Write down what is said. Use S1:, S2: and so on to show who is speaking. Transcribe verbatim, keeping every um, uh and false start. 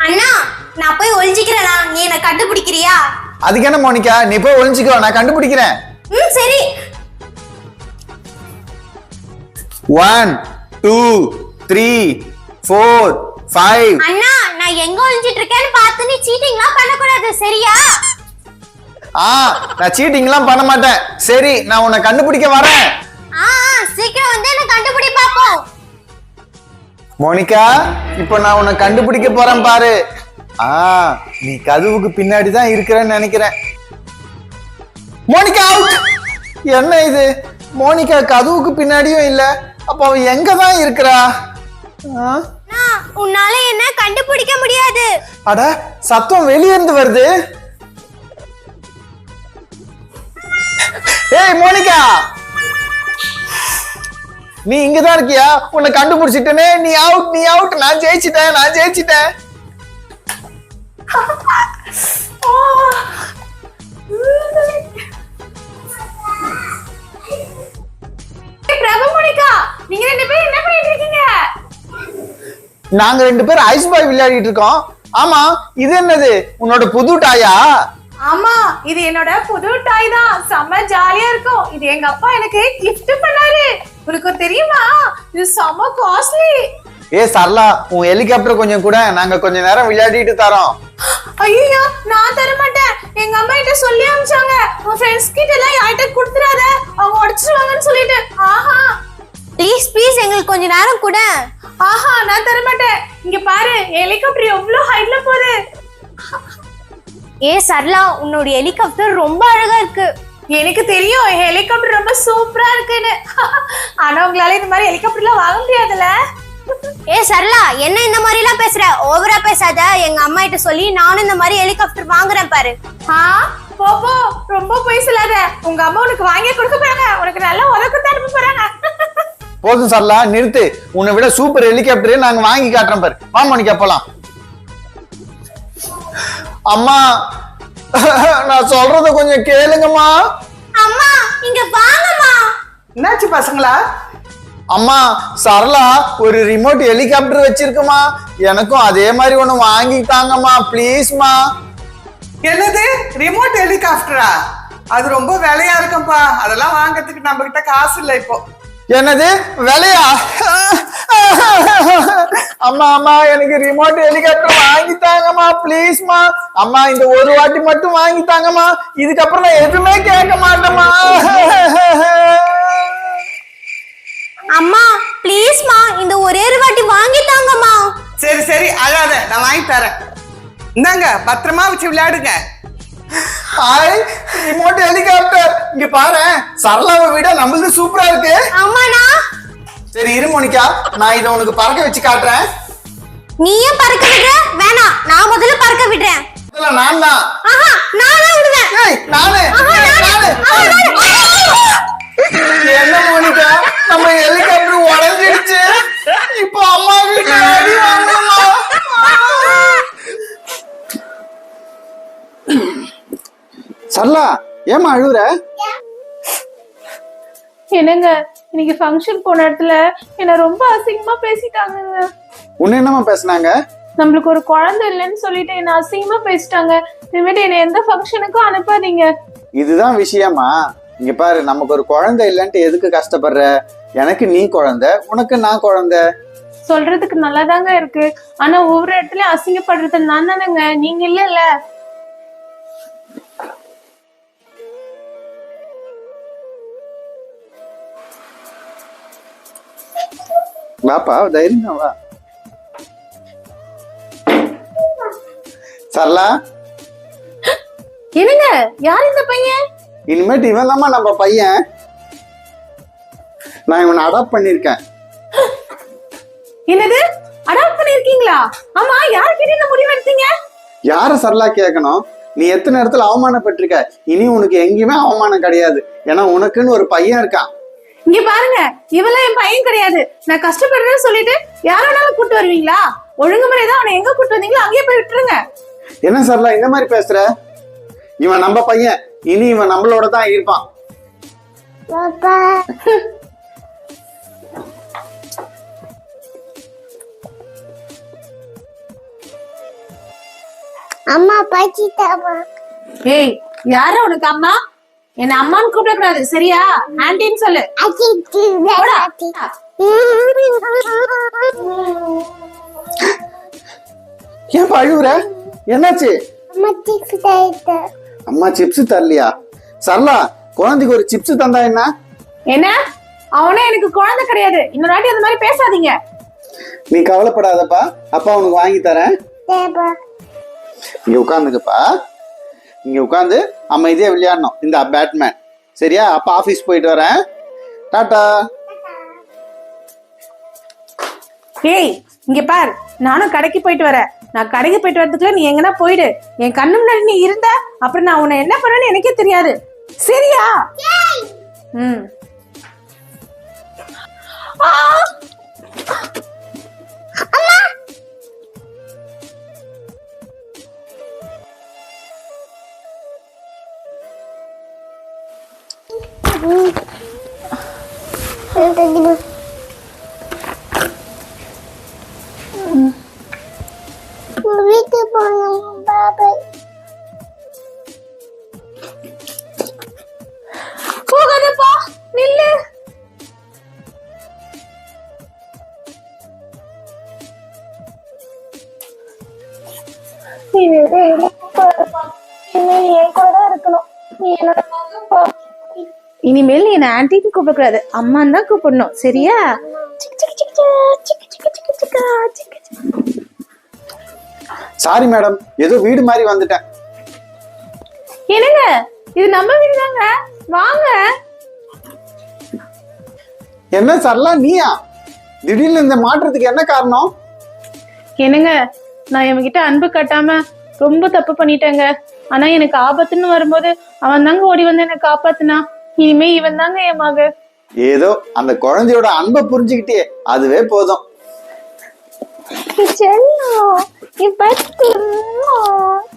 S1: அண்ணா நான் போய் ஒளிஞ்சிக்கிறேனா, நீ என்ன கண்டுபிடிக்கிறியா?
S2: அதுக்கு என்ன மோனிகா, நீ போய் ஒளிஞ்சிக்கோ, நான் கண்டுபிடிக்கிறேன்.
S1: ம் சரி.
S2: One two three four five.
S1: அண்ணா நான் எங்க ஒளிஞ்சிட்டு இருக்கேன்னு பார்த்து நீ சீட்டிங்லாம் பண்ணக்கூடாது, சரியா?
S2: ஆ நான் சீட்டிங்லாம் பண்ண மாட்டேன். சரி, நான் உன்னை கண்டுபிடிக்க வரேன்.
S1: ஆ சீக்கிரம் வந்து என்ன கண்டுபிடி பாப்போம்.
S2: மோனிகா, இப்போ நான் உன்னை கண்டுபிடிக்க போறேன் பாரு. ஆ நீ கதவுக்கு பின்னாடி தான் இருக்கிறேன்னு நினைக்கிறேன். மோனிகா அவுட். என்ன இது, மோனிகா கதவுக்கு பின்னாடியும் இல்ல, அப்ப அவ எங்க தான் இருக்கிறா?
S1: உன்னால என்ன கண்டுபிடிக்க முடியாது.
S2: அட சத்தம் வெளியே இருந்து வருது. ஏய் மோனிகா, நீ இங்கதான் இருக்கியா? உன்னை கண்டுபிடிச்சிட்டனே. நீ அவுட், நீ அவுட். நான் ஜெயிச்சிட்டேன், நான் ஜெயிச்சிட்டேன்.
S1: பிரபு, மோனிகா, நீங்க ரெண்டு பேரும் என்ன பண்ணிட்டு இருக்கீங்க?
S2: நாங்க ரெண்டு பேரும் ஐஸ் பாய் விளையாடிட்டு இருக்கோம். ஆமா, இது என்னது, உன்னோட புது டாயா?
S3: ஆமா, இது என்னோட புது டாய் தான். செம்ம ஜாலியா இருக்கும். இது எங்க அப்பா எனக்கு கிஃப்ட் பண்ணாரு. உங்களுக்கு தெரியுமா, இது செம்ம காஸ்ட்லி.
S2: ஏ சரளா, உன் ஹெலிகாப்டர் கொஞ்சம் கூட, நாங்க கொஞ்ச நேரம் விளையாடிட்டு தரோம்.
S3: ஐயோ, நான் தர மாட்டேன். எங்க அம்மா கிட்ட சொல்லி அனுப்பிச்சாங்க, உன் ஃப்ரெண்ட்ஸ் கிட்ட எல்லாம் யார்கிட்ட கொடுத்துறாத, அவங்க உடைச்சிருவாங்கன்னு சொல்லிட்டு. ஆஹா
S1: ப்ளீஸ் ப்ளீஸ் எங்களுக்கு கொஞ்ச நேரம் கூட.
S3: ஆஹா நான் தர மாட்டேன். இங்க பாரு, ஹெலிகாப்டர் எவ்வளவு ஹைட்ல போகுது.
S1: ஏ சரளா, உன்னோட ஹெலிகாப்டர் ரொம்ப அழகா இருக்கு.
S3: எனக்கு தெரியும் ஹெலிகாப்டர் ரொம்ப சூப்பரா இருக்குன்னு. ஆனா உங்களால இந்த மாதிரி ஹெலிகாப்டர்லாம் வாங்க முடியாதுல்ல.
S1: ஏ சரளா, என்ன இந்த மாதிரி எல்லாம் பேசுற? ஓவரா பேசாத. எங்க அம்மா கிட்ட சொல்லி நானும் இந்த மாதிரி ஹெலிகாப்டர் வாங்குறேன் பாரு.
S3: ஆ போ போ, ரொம்ப போய் சொல்லாத. உங்க அம்மா உனக்கு வாங்கி கொடுக்க போறாங்க, உனக்கு நல்லா உலகத்தை அனுப்ப போறாங்க.
S2: போதும் சரளா, நிறுத்து. உன்னை விட சூப்பர் ஹெலிகாப்டர் நாங்க வாங்கி காட்டுறோம் பாரு. வா மோனிகா போலாம். அம்மா, நான் சொல்றத கொஞ்சம் கேளுங்கம்மா.
S1: அம்மா இங்க வாங்கம்மா.
S4: என்னாச்சு பசங்களா?
S2: அம்மா, சரளா ஒரு ரிமோட் ஹெலிகாப்டர் வச்சிருக்குமா, எனக்கும் அதே மாதிரி ஒண்ணு வாங்கிட்டாங்கம்மா, ப்ளீஸ்மா.
S4: என்னது, ரிமோட் ஹெலிகாப்டரா? அது ரொம்ப விலையா இருக்கும்பா, அதெல்லாம் வாங்கறதுக்கு நம்ம கிட்ட காசு இல்லை இப்போ.
S2: என்னது விலையா? அம்மா அம்மா, எனக்கு ரிமோட் ஹெலிகாப்டர் வாங்கித்தாங்கம்மா, ப்ளீஸ்மா. அம்மா இந்த ஒரு வாட்டி மட்டும் வாங்கித்தாங்கம்மா, இதுக்கப்புறம் நான் எதுவுமே கேட்க மாட்டேம்மா.
S1: அம்மா ப்ளீஸ்மா, இந்த ஒரே ஒரு வாட்டி வாங்கித்தாங்கம்மா.
S4: சரி சரி, அழாத, நான் வாங்கி தரேன். இந்தாங்க, பத்திரமா வச்சு விளையாடுங்க.
S2: Hi, remote helicopter. இங்க பாரு, சரளாவை விட நம்மளுது சூப்பரா இருக்கு.
S1: ஆமாண்ணா.
S2: சரி இரு மோனிகா, நான் இதை உனக்கு பறக்க வச்சு காட்டுறேன்.
S1: நீ ஏன் பறக்க விடுற? வேணாம், நான் முதல்ல பறக்க விடுறேன்.
S2: நான் தான்.
S1: ஆஹா, நான் தான் விடுவேன்.
S2: ஏய் நானு நானு. என்ன மோனிகா, நம்ம ஹெலிகாப்டர் உடைஞ்சிடுச்சு. இப்போ அம்மா வீட்டுல அடி வாங்கணுமா? சரளா, ஏமா அழுகுற?
S3: என்னங்க, இன்னைக்கு ஃபங்க்ஷன் போன இடத்துல என்ன ரொம்ப அசிங்கமா பேசிட்டாங்க.
S2: உன்ன என்னமா பேசுனாங்க?
S3: நம்மளுக்கு ஒரு குழந்தை இல்லைன்னு சொல்லிட்டு என்ன அசிங்கமா பேசிட்டாங்க. இனிமேட்டு என்ன எந்த ஃபங்க்ஷனுக்கும் அனுப்பாதீங்க.
S2: இதுதான் விஷயமா? இங்க பாரு, நமக்கு ஒரு குழந்தை இல்லைன்ட்டு எதுக்கு கஷ்டப்படுற? எனக்கு நீ குழந்தை, உனக்கு நான் குழந்தை.
S3: சொல்றதுக்கு நல்லாதாங்க இருக்கு, ஆனா ஒவ்வொரு இடத்துலயும் அசிங்கப்படுறது நான் தானேங்க, நீங்க இல்ல.
S2: வாப்பா, தைரியம் வா. சரளா,
S3: என்னங்க, யார் இந்த பையன்?
S2: இனிமேட்டு இவன் தாம்மா நம்ம பையன். நான் இவனை அடாப்ட் பண்ணிருக்கேன்.
S3: என்னது, அடாப்ட் பண்ணிருக்கீங்களா? ஆமா, யார்கிட்ட இந்த முடிவு எடுத்தீங்க?
S2: யார சரளா கேட்கணும்? நீ எத்தனை இடத்துல அவமானப்பட்டிருக்க, இனி உனக்கு எங்கேயுமே அவமானம் கிடையாது. ஏன்னா உனக்குன்னு ஒரு பையன் இருக்கான்.
S3: இங்க பாருங்க, இவெல்லாம் என் பையன் கிடையாது. நான் கஷ்டப்படுறேன்னு சொல்லிட்டு யாராலும் கூட்டு வருவீங்களா? ஒழுங்குமுறைதான், அவனை எங்க கூட்டு வந்தீங்களோ அங்கேயே போய் விட்டுருங்க.
S2: என்ன சரளா இந்த மாதிரி பேசுற? இவன் நம்ம பையன், இனி இவன் நம்மளோட தான் இருப்பான்.
S1: அம்மா பாச்சிட்டாமா.
S3: ஏய் யார உனக்கு அம்மா? என்ன அம்மான்னு கூப்பிடக்கூடாது சரியா? ஆன்டின்னு சொல்லு. போடா.
S2: ஏன் அழுவுற? என்னாச்சு?
S1: அம்மா சிப்ஸ் தரல.
S2: அம்மா சிப்ஸ் தரலையா? சரளா, குழந்தைக்கு ஒரு சிப்ஸ் தந்தா என்ன?
S3: என்ன? அவனே எனக்கு குழந்தை கிடையாது. இன்னொரு வாட்டி அந்த மாதிரி பேசாதீங்க.
S2: நீ கவலைப்படாதப்பா, அப்பா உனக்கு வாங்கி தரேன். இங்க உட்காந்துக்கப்பா, இங்க உட்காந்து அமைதியா விளையாடணும். இந்த பேட்மேன் சரியா? அப்பா ஆபீஸ் போயிட்டு வரேன். டாடா.
S3: ஏய் இங்க பார், நானும் கடைக்கு போயிட்டு வரேன். நான் கடைக்கு போயிட்டு வரதுக்குள்ள நீ எங்கன்னா போயிடு. என் கண்ணு முன்னாடி நீ இருந்த அப்புறம் நான் உன்னை என்ன பண்ணேன்னு எனக்கே தெரியாது சரியா? ம்.
S1: வீட்டுக்கு போகணும் பாபாய்.
S3: போகாதப்பா, நில்லு. இனிமேல் நீ என்ன ஆன்டின்னு கூப்பிடக்கூடாது, அம்மான்னு தான் கூப்பிடணும் சரியா?
S2: சாரி மேடம், ஏதோ வீடு மாதிரி வந்துட்டேன்.
S3: என்னங்க இது நம்ம வீடு தாங்க, வாங்க.
S2: என்ன சரளா, நீயா? திடீர்னு இந்த மாற்றத்துக்கு என்ன காரணம்?
S3: என்னங்க, நான் இவன்கிட்ட அன்பு கட்டாம ரொம்ப தப்பு பண்ணிட்டேங்க. ஆனா எனக்கு ஆபத்துன்னு வரும்போது அவன் தாங்க ஓடி வந்து என்ன காப்பாத்துனா. இனிமே இவன் தாங்க என் மக.
S2: ஏதோ அந்த குழந்தையோட அன்பை புரிஞ்சுக்கிட்டே அதுவே போதும்.
S1: செல்லம், இப்ப